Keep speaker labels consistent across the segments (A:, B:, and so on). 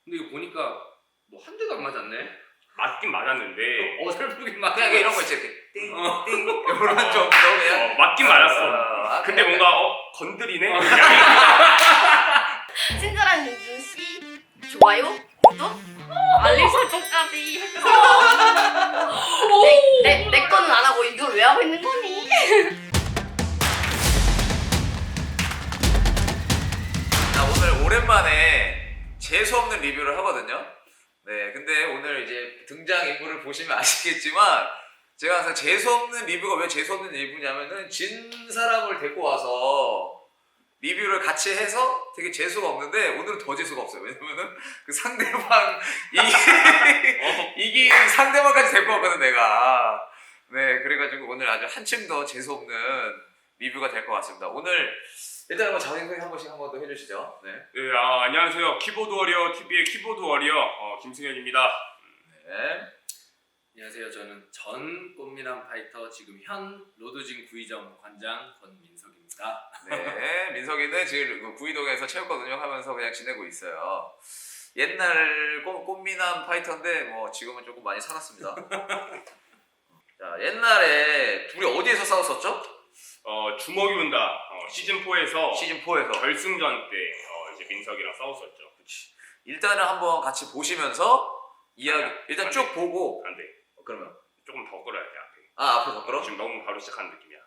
A: 근데 이거 보니까 뭐 한 대도 안 맞았네.
B: 맞긴 맞았는데
A: 어설프긴 맞.
C: 그냥 이런 거 있지 이렇게 띵띵 이런 정도 그냥
B: 맞긴 맞았어. 근데
C: 그냥
B: 뭔가 건드리네.
D: 친절한 윤준 씨 좋아요, 구독, 알림 설정까지 해주세요. 내 거는 안 하고 이걸 왜 하고 있는 거니?
C: 자, 오늘 오랜만에 재수없는 리뷰를 하거든요. 네, 근데 오늘 이제 등장인물을 보시면 아시겠지만 제가 항상 재수없는 리뷰가 왜 재수없는 리뷰냐면은 진 사람을 데리고 와서 리뷰를 같이 해서 되게 재수가 없는데 오늘은 더 재수가 없어요. 왜냐면은 그 상대방 이긴 상대방까지 데리고 왔거든 내가. 네, 그래가지고 오늘 아주 한층 더 재수없는 리뷰가 될 것 같습니다. 오늘 일단 한번 자기소개 한 번씩 한 번 더 해주시죠. 네.
B: 네, 안녕하세요. 키보드 워리어 TV의 키보드 워리어 김승현입니다.
C: 네.
A: 안녕하세요. 저는 전 꽃미남 파이터 지금 현 로드진 구의점 관장 권민석입니다.
C: 네, 민석이는 지금 그 구이동에서 체육관 운영하면서 그냥 지내고 있어요. 옛날 꽃미남 파이터인데 뭐 지금은 조금 많이 살았습니다. 자, 옛날에 둘이 어디에서 싸웠었죠?
B: 주먹이 온다 시즌 4에서
C: 시즌 4에서.
B: 결승전 때 이제 민석이랑 싸웠었죠.
C: 일단은 한번 같이 보시면서 이야기
B: 아니야,
C: 일단
B: 안
C: 쭉
B: 돼.
C: 보고
B: 안 돼.
C: 그러면
B: 조금 더 끌어야 돼 앞에.
C: 앞에서 끌어?
B: 지금 너무 바로 시작한 느낌이야.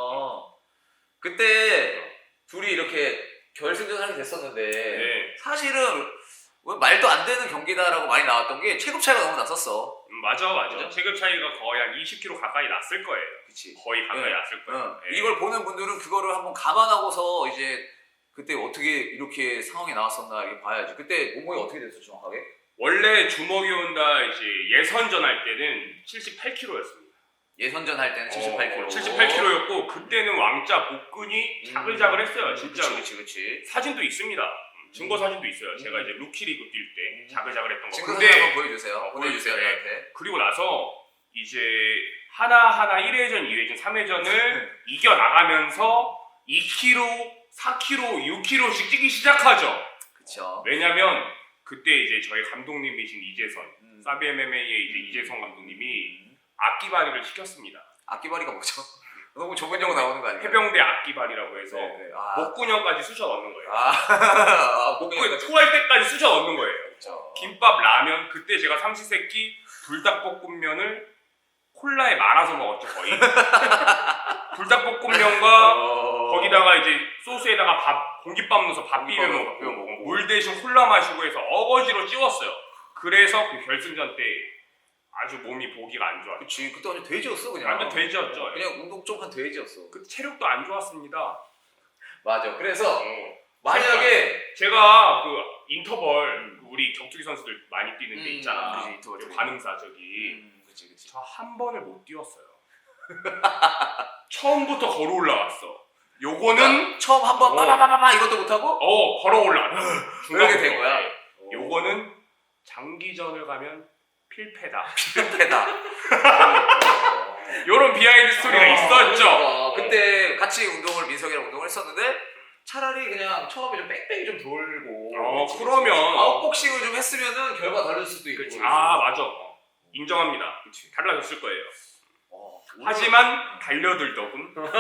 C: 그때 둘이 이렇게 결승전 하게 됐었는데
B: 네.
C: 사실은 뭐 말도 안 되는 경기다라고 많이 나왔던 게 체급 차이가 너무 났었어.
B: 맞아.
C: 그죠?
B: 체급 차이가 거의 한 20kg 가까이 났을 거예요.
C: 그치.
B: 거의 가까이
C: 네.
B: 났을 거예요. 네.
C: 이걸 보는 분들은 그거를 한번 감안하고서 이제 그때 어떻게 이렇게 상황이 나왔었나 이렇게 봐야지. 그때 몸무게 어떻게 됐어 정확하게?
B: 원래 주먹이 온다 이제 예선전 할 때는 78kg였습니다.
C: 예선전 할 때는 78kg.
B: 78kg였고 그때는 왕자 복근이 자글자글했어요. 진짜로.
C: 그치.
B: 사진도 있습니다. 증거 사진도 있어요. 제가 이제 루키 리그 뛸 때 자글자글했던 거.
C: 증거 사진 한번 보여주세요. 보내주세요.
B: 보여주세요.
C: 저한테.
B: 그리고 나서 이제 하나하나 1회전, 2회전, 3회전을 이겨나가면서 2kg, 4kg, 6kg씩 뛰기 시작하죠.
C: 그쵸.
B: 왜냐면 그때 이제 저희 감독님이신 이재선,
C: 음.
B: 사비 MMA의 이제 이재선 감독님이 악기발이를 시켰습니다.
C: 악기발이가 뭐죠? 너무 좁은 용어 나오는 거 아니에요?
B: 해병대 악기발이라고 해서
C: 네.
B: 목구녕까지 쑤셔 넣는 거예요.
C: 목구멍
B: 토할 때까지 쑤셔 넣는 거예요.
C: 그쵸.
B: 김밥, 라면, 그때 제가 삼시세끼 불닭볶음면을 콜라에 말아서 먹었죠 거의. 불닭볶음면과 거기다가 이제 소스에다가 공깃밥 넣어서 밥 비벼 먹고 물 대신 콜라 마시고 해서 어거지로 찌웠어요. 그래서 그 결승전 때 아주 몸이 보기가 안 좋았죠.
C: 그치. 그때 완전 돼지였어 그냥.
B: 완전 돼지였죠.
C: 그냥 운동 좀 한 돼지였어.
B: 그 체력도 안 좋았습니다.
C: 맞아. 그래서
B: 어.
C: 만약에
B: 제가 그 인터벌 우리 격투기 선수들 많이 뛰는 데 있잖아.
C: 그치, 인터벌
B: 그
C: 저기.
B: 관음사 저기.
C: 그치.
B: 저 한 번을 못 뛰었어요. 처음부터 걸어 올라갔어. 요거는
C: 처음 한번 빠바바바바 이것도 못하고
B: 걸어 올라갔어.
C: 이렇게 된 거야.
B: 요거는 장기전을 가면 필패다.
C: 패다.
B: 요런 비하인드 스토리가 있었죠.
C: 그때 같이 운동을 민석이랑 했었는데 차라리 그냥 처음에 좀 뺑뺑이 좀 돌고
B: 그러면
C: 아웃복싱을 좀 했으면은 결과 다를 수도 있고.
B: 맞아. 인정합니다. 달라졌을 거예요. 하지만 달려들더군.
C: 그때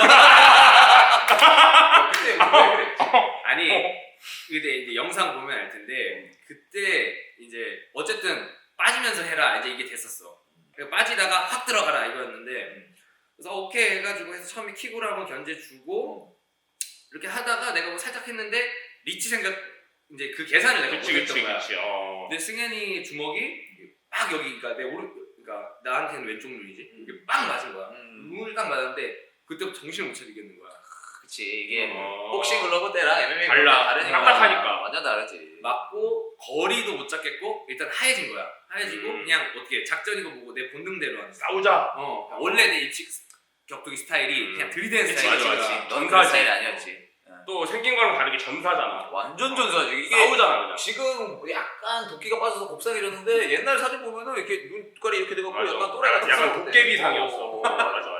C: 왜 그랬지?
A: 아니 근데 이제 영상 보면 알 텐데 그때 이제 어쨌든 빠지면서 해라 이제 이게 됐었어. 그러니까 빠지다가 확 들어가라 이거였는데 그래서 오케이 해가지고 해서 처음에 킥으로 한번 견제 주고 이렇게 하다가 내가 뭐 살짝 했는데 리치 생각 이제 그 계산을 내가 못했던 거야. 근데 승현이 주먹이 막 여기 그러니까 내 그러니까 나한테는 왼쪽 눈이지 이게 빵 맞은 거야. 눈을 딱 맞았는데 그때부터 정신을 못 차리겠는 거야.
C: 그치 이게 복싱 글러브 때랑 MMA
B: 달라.
C: 다르니까
B: 딱딱하니까.
C: 완전 다르지.
A: 맞고 거리도 못 잡겠고 일단 하얘진 거야. 하얘지고 그냥 어떻게 작전이고 뭐고 내 본능대로 하는
B: 싸우자.
A: 원래 내 입식 격투기 스타일이 그냥 들이대는
C: 그치,
A: 스타일이야.
C: 맞아. 넌 그런
B: 전사지.
C: 스타일이 아니었지.
B: 또 생긴 거랑 다르게 전사잖아.
C: 완전 전사지. 이게
B: 싸우잖아 그냥.
C: 지금 약간 도끼가 빠져서 곱상해졌는데 옛날 사진 보면은 이렇게 눈깔이 이렇게 돼갖고
B: 맞아.
C: 약간 또라이 같은
B: 약간
C: 사람인데.
B: 도깨비상이었어. 맞아.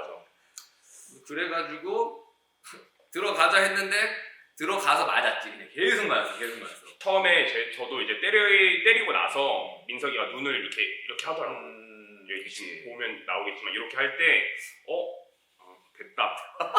A: 그래가지고 들어가자 했는데 들어가서 맞았지. 그냥 계속 맞았어.
B: 처음에 저도 이제 때리고 나서 민석이가 눈을 이렇게 하더라고. 여기 지금 보면 나오겠지만 이렇게 할 때 됐다.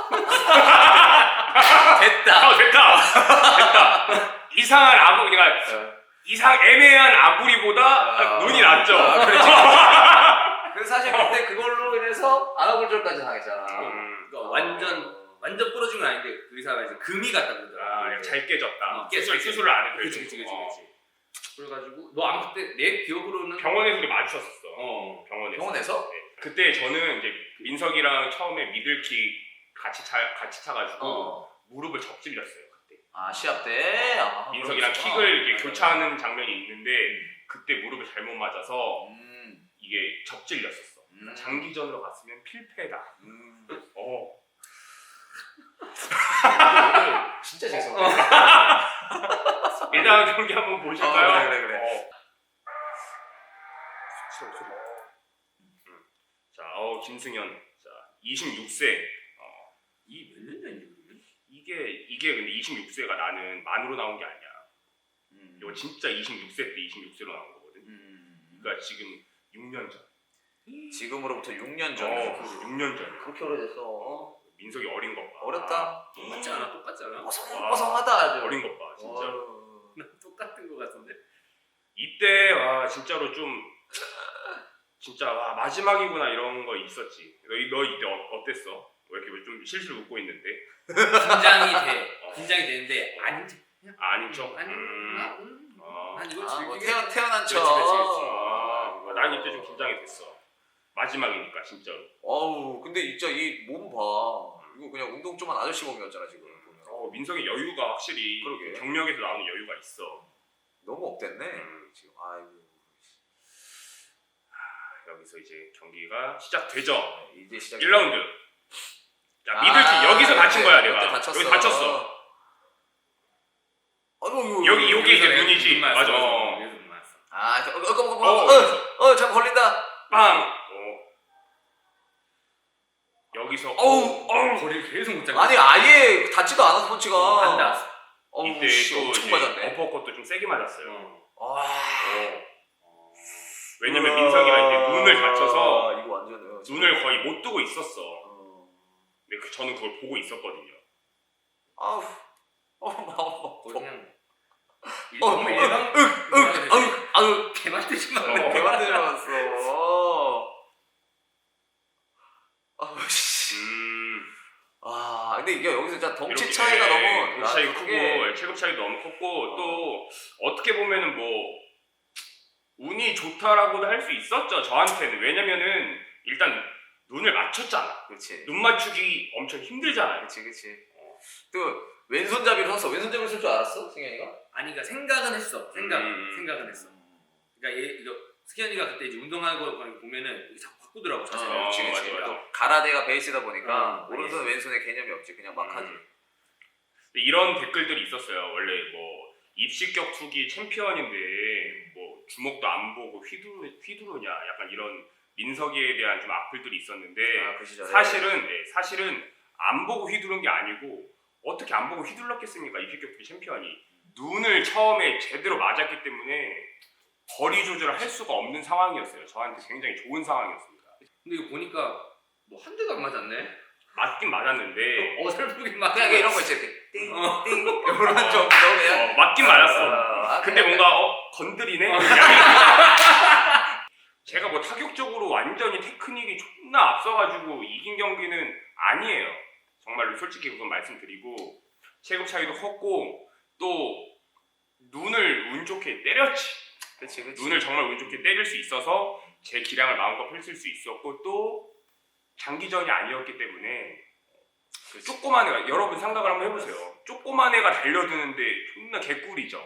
B: 됐다. 이상한 아구 그러니까 애매한 아구리보다 눈이 낫죠.
C: 그래서 사실 그때 그걸로 인해서 안아골절까지 당했잖아.
A: 그러니까 완전 부러진 건 아닌데 그 의사가 이제 금이 갔다 그러더라.
B: 잘 깨졌다.
A: 깨졌다.
B: 수술을 안 해도
A: 그치. 그래가지고 너 아마 그때 내 기억으로는
B: 병원에서 우리 마주쳤었어. 병원에서.
C: 병원에서?
B: 네. 그때 저는 이제 민석이랑 처음에 미들킥 같이 차가지고 무릎을 접질렸어요 그때.
C: 시합 때?
B: 민석이랑
C: 그렇구나.
B: 킥을 이렇게 교차하는 장면이 있는데 그때 무릎을 잘못 맞아서 이게 접질렸었어. 그러니까 장기전으로 갔으면 필패다.
C: 진짜 죄송해.
B: 일단 경기 한번 보실까요?
C: 그래.
B: 자, 김승현. 자, 26세.
A: 이 몇 년 전이지 그러면?
B: 이게 근데 26세가 나는 만으로 나온 게 아니야. 이거 진짜 26세 때 26세로 나온 거거든. 그러니까 지금 6년 전.
C: 지금으로부터 6년 전.
B: 6년 전.
C: 그렇게 오래됐어.
B: 민석이 어린 것 봐.
C: 어렸다.
A: 똑같잖아.
C: 뽀송뽀송하다 아주.
B: 어린 것 봐, 진짜.
A: 똑같은 거 같은데.
B: 이때 와 진짜로 좀 진짜 와 마지막이구나 이런 거 있었지. 너 이때 어땠어? 왜 이렇게 좀 실실 웃고 있는데?
A: 긴장이 되는데 아닌지.
B: 아닌 척.
A: 난 이걸
C: 뭐
A: 즐기게.
C: 태어난 척.
A: 그렇지.
B: 난 이때 좀 긴장이 됐어. 마지막이니까 진짜로.
C: 근데 진짜 이 몸 봐. 이거 그냥 운동 좀한 아저씨 몸이었잖아 지금 보면.
B: 민석이 여유가 확실히
C: 그러게.
B: 경력에서 나오는 여유가 있어.
C: 너무 업됐네 지금. 아이고.
B: 여기서 이제 경기가 시작되죠.
C: 이제 시작.
B: 1라운드. 자, 미들킥 여기서 다친 거야 내가.
C: 다쳤어.
B: 여기 다쳤어. 여기 요게 이제 눈이지. 맞아.
C: 잠깐 걸린다.
B: 빵. 여기서
A: 거리를 계속 못 잡고.
C: 아니 아예 닿지도 않았어 펀치가.
A: 안 닿았어.
B: 이때 또
C: 엄청
B: 이제
C: 맞았네.
B: 어퍼컷도 좀 세게 맞았어요.
C: 아.
B: 왜냐면 민석이가 이제 눈을 다쳐서
C: 이거 완전
B: 눈을 거의 못 뜨고 있었어. 근데 저는 그걸 보고 있었거든요.
C: 마음
A: 그냥 너무 일방. 개만 뜨지 마.
C: 개만 들어왔어. 근데 이게 여기서 진짜 덩치
B: 이렇게,
C: 차이가 너무
B: 덩치 차이가
C: 크게.
B: 크고 체급 차이도 너무 컸고 또 어떻게 보면은 뭐 운이 좋다라고도 할 수 있었죠 저한테는. 왜냐면은 일단 눈을 맞췄잖아.
C: 그렇지.
B: 눈 맞추기 엄청 힘들잖아요.
C: 그렇지. 또 왼손잡이를 섰어. 왼손잡이를 쓸 줄 알았어, 승현이가?
A: 아니 그러니까 생각은 했어. 생각은 했어. 그러니까 승현이가 그때 이제 운동하고 보면은 자꾸 바꾸더라고 자세를.
B: 그렇지.
C: 또 가라데가 베이스다 보니까
A: 어,
C: 오른손 왼손에 개념이 없지. 그냥 막 하지.
B: 이런 댓글들이 있었어요. 원래 뭐 입시격 투기 챔피언인데 뭐 주먹도 안 보고 휘두르냐 약간 이런 민석이에 대한 좀 악플들이 있었는데
C: 그 시절에.
B: 사실은 안 보고 휘두른 게 아니고 어떻게 안 보고 휘둘렀겠습니까? 입시격 투기 챔피언이 눈을 처음에 제대로 맞았기 때문에 거리 조절을 할 수가 없는 상황이었어요. 저한테 굉장히 좋은 상황이었습니다.
A: 근데 이거 보니까 뭐 한 대도 안 맞았네.
B: 맞긴 맞았는데
A: 어설프게 맞.
C: 그냥 이런 거 있지. 이렇게 띵띵 이런
A: 어.
C: 정도 그냥.
B: 맞긴 맞았어. 근데
C: 그냥
B: 뭔가 건드리네? 제가 뭐 타격적으로 완전히 테크닉이 존나 앞서가지고 이긴 경기는 아니에요. 정말로 솔직히 우선 말씀드리고 체급 차이도 컸고 또 눈을 운 좋게 때렸지.
C: 그치.
B: 눈을 정말 운 좋게 때릴 수 있어서 제 기량을 마음껏 펼칠 수 있었고 또 장기전이 아니었기 때문에 조그만 애가 여러분 생각을 한번 해보세요. 조그만 애가 달려드는데 존나 개꿀이죠.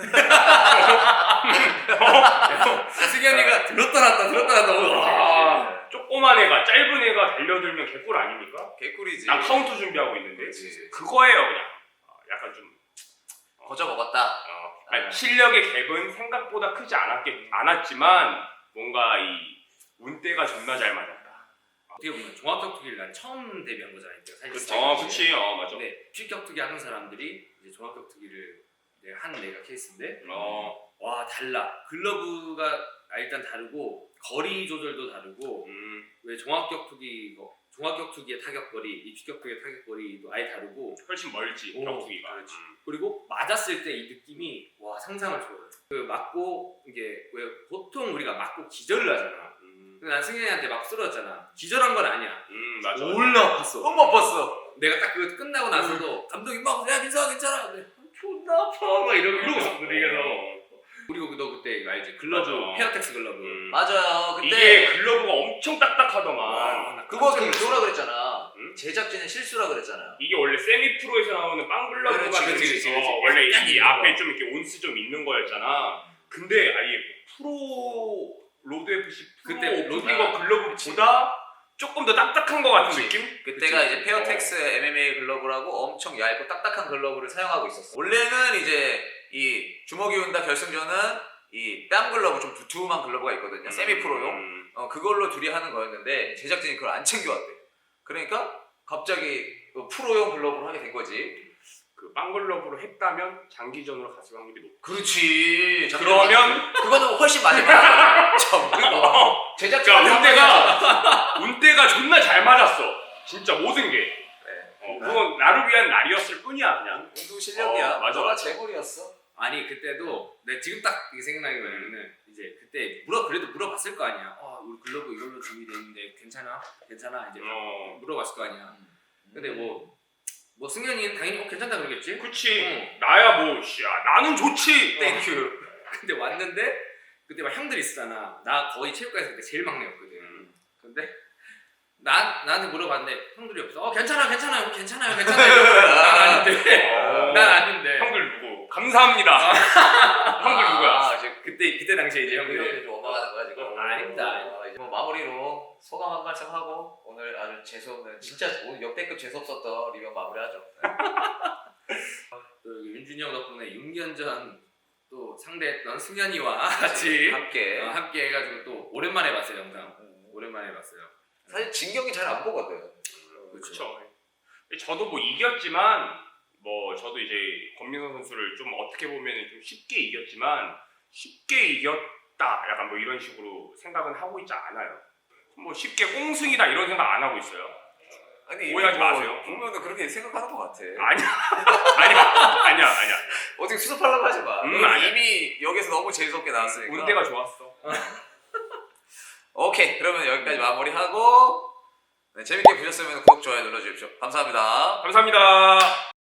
A: 승현이가 들었다 놨다.
B: 조그만 애가 짧은 애가 달려들면 개꿀 아닙니까?
C: 개꿀이지.
B: 난 카운터 준비하고 있는데
C: 그렇지.
B: 그거예요 그냥. 약간 좀
C: 거저 먹었다.
B: 아니, 실력의 갭은 생각보다 크지 않았지만 뭔가 이 운대가 존나 잘 맞았다.
A: 어떻게 보면 종합격투기를 난 처음 데뷔한 거잖아요. 사실.
B: 그치. 맞아.
A: 근데 실격투기 하는 사람들이 이제 종합격투기를 내가 케이스인데
B: 어.
A: 와 달라. 글러브가 일단 다르고 거리 조절도 다르고 왜 종합격투기의 타격거리, 입식격투기의 타격거리도 아예 다르고
B: 훨씬 멀지
A: 오,
B: 격투기가.
A: 그리고 맞았을 때 이 느낌이 와 상상을 초월해. 그 맞고 이게 왜 보통 우리가 맞고 기절을 하잖아. 근데 난 승현이한테 막 쓰러졌잖아. 기절한 건 아니야.
B: 맞아.
A: 올라 아팠어.
C: 너무 아팠어.
A: 내가 딱 그거 끝나고 나서도 감독이 막 야 민서야 괜찮아. 근데 존나 아파 막 이러고 있었거든. 그래서 그리고 너 그때 이거 알지? 글러브
B: 맞아.
A: 페어텍스 글러브.
C: 맞아요. 그때
B: 이게 글러브가 엄청 딱딱하더만.
A: 와,
C: 그거
A: 깜짝 놀랐어.
C: 그거라 그랬잖아.
B: 응?
C: 제작진은 실수라 그랬잖아요.
B: 이게 원래 세미 프로에서 나오는 빵 글러브가
C: 그렇지,
A: 그렇지.
B: 원래
A: 약간
B: 이
A: 있는
B: 앞에
A: 거.
B: 좀 이렇게 온스 좀 있는 거였잖아. 근데 아예 프로 로드 FC 프로
A: 그때
B: 오프닝거 글러브보다 조금 더 딱딱한 거 같은
C: 그치.
B: 느낌?
C: 그때가 이제 페어텍스 MMA 글러브라고 엄청 얇고 딱딱한 글러브를 사용하고 있었어. 원래는 이제 이 주먹이 운다 결승전은 이 뺨 글러브 좀 두툼한 글러브가 있거든요. 세미 프로용. 그걸로 둘이 하는 거였는데 제작진이 그걸 안 챙겨왔대. 그러니까 갑자기 프로용 글러브로 하게 된 거지.
B: 그 빵 글러브로 했다면 장기전으로 갔을 확률이 높아.
C: 그렇지.
B: 그러면
C: 그거는 훨씬 많이 받아. 제작진
B: 운대가 존나 잘 맞았어. 진짜 모든 게. 그건 나를 위한 날이었을 뿐이야 그냥.
C: 운동 실력이야.
B: 맞아,
C: 너가
B: 맞아.
C: 재물이었어.
A: 아니 그때도 내가 지금 딱 이게 생각나는 게 뭐냐면은 이제 그때 그래도 물어봤을 거 아니야. 우리 글러브 이걸로 준비돼 있는데 괜찮아 이제 물어봤을 거 아니야. 근데 뭐 승현이는 당연히 괜찮다 그러겠지.
B: 그치. 나야 뭐 야, 나는 좋지.
C: 땡큐.
A: 근데 왔는데 그때 막 형들 있었잖아. 나 거의 체육관에서 그때 제일 막내였거든. 근데 나한테 물어봤는데 형들이 없어. 괜찮아요. 난 아닌데.
B: 형들 누구? 감사합니다. 형들 누구야?
C: 이제
A: 그때 당시에 이제
C: 이렇게
A: 형들이
C: 좀 넘어가는 거야 지금.
A: 아닙니다.
C: 이제 뭐 마무리로 소감 한 말씀 하고 오늘 아주 재수없는 진짜 오늘 역대급 재수없었던 리뷰 마무리하죠.
A: 또 여기 윤준이 형 덕분에 6년 전 또 상대했던 승현이와 같이
C: 함께.
A: 함께 해가지고 또 오랜만에 봤어요 영상. 오랜만에 봤어요.
C: 사실 진경이 잘 안 보거든.
B: 그렇죠. 저도 뭐 이겼지만 저도 이제 권민선 선수를 좀 어떻게 보면 좀 쉽게 이겼지만 쉽게 이겼다 약간 뭐 이런 식으로 생각은 하고 있지 않아요. 뭐 쉽게 꽁승이다 이런 생각 안 하고 있어요.
C: 아니
B: 오해하지 마세요.
C: 보면은 그렇게 생각하는 것 같아.
B: 아니야.
C: 어떻게 수습하려고 하지 마.
B: 아니야.
C: 이미 여기서 너무 재수없게 나왔으니까.
B: 운대가 좋았어.
C: 오케이, 그러면 여기까지 마무리하고 재밌게 보셨으면 구독, 좋아요 눌러주십시오. 감사합니다.
B: 감사합니다.